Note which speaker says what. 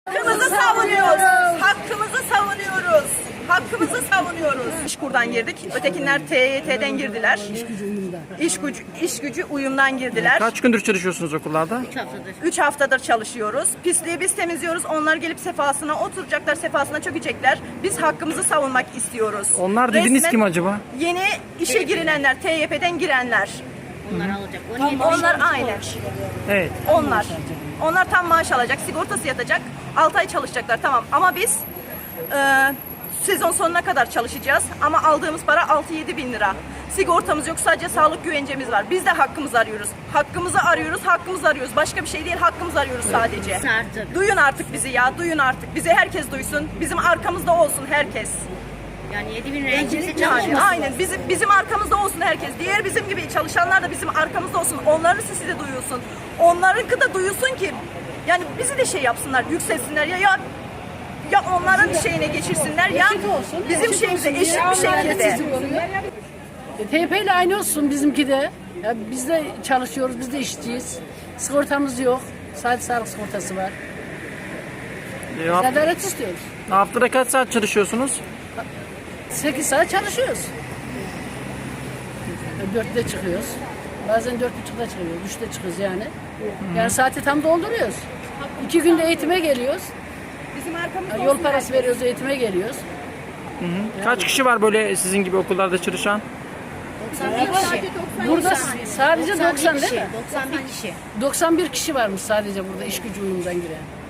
Speaker 1: Hakkımızı savunuyoruz. Hakkımızı savunuyoruz. Hakkımızı savunuyoruz. İşkur'dan girdik. Ötekinler TYT'den girdiler. İş gücü uyumdan girdiler.
Speaker 2: Kaç gündür çalışıyorsunuz okullarda?
Speaker 3: 3 haftadır.
Speaker 1: 3 haftadır çalışıyoruz. Pisliği biz temizliyoruz. Onlar gelip sefasına oturacaklar, sefasına çökecekler. Biz hakkımızı savunmak istiyoruz.
Speaker 2: Onlar dediğiniz
Speaker 1: Resmen
Speaker 2: kim acaba?
Speaker 1: Yeni işe girilenler, TYP'den girenler.
Speaker 3: Onlar alacak. 17 bin
Speaker 1: Onlar aynen.
Speaker 2: Evet.
Speaker 1: Onlar tam maaş alacak, sigortası yatacak. 6 ay çalışacaklar tamam. Ama biz sezon sonuna kadar çalışacağız. Ama aldığımız para 6-7 bin lira. Sigortamız yok, sadece sağlık güvencemiz var. Biz de hakkımızı arıyoruz. Hakkımızı arıyoruz, hakkımızı arıyoruz. Başka bir şey değil, hakkımızı arıyoruz sadece.
Speaker 3: Artık.
Speaker 1: Duyun artık bizi ya, duyun artık. Bizi herkes duysun. Bizim arkamızda olsun herkes.
Speaker 3: Yani 7 bin liraya kimse
Speaker 1: Yani,
Speaker 3: çalışmasın.
Speaker 1: aynen bizim arkamızda olsun herkes. Diğer bizim gibi çalışanlar da bizim arkamızda olsun. Onların sesi de duyulsun. Onlarınki de duyulsun ki yani bizi de şey yapsınlar, yükselsinler ya onların şeyine geçirsinler ya bizim şeyimize eşit bir şekilde.
Speaker 4: TYP ile aynı olsun bizimki de. Ya biz de çalışıyoruz, biz de işçiyiz. Sigortamız yok. Sadece sağlık sigortası var. Adalet istiyoruz.
Speaker 2: Haftada kaç saat çalışıyorsunuz?
Speaker 4: 8 saat çalışıyoruz. 4'te çıkıyoruz. Bazen 4.30'da çıkıyoruz, 3'te çıkıyoruz yani. Yani saati tam dolduruyoruz. 2 günde eğitime geliyoruz.
Speaker 1: Bizim arkamızda
Speaker 4: Yol
Speaker 1: olsun
Speaker 4: parası
Speaker 1: herkes.
Speaker 4: veriyoruz, eğitime geliyoruz.
Speaker 2: Kaç kişi var böyle sizin gibi okullarda çalışan?
Speaker 3: 91 kişi.
Speaker 4: Burada sadece 90 değil mi?
Speaker 3: 91 kişi.
Speaker 4: 91 kişi varmış sadece burada iş gücü uyumundan giren.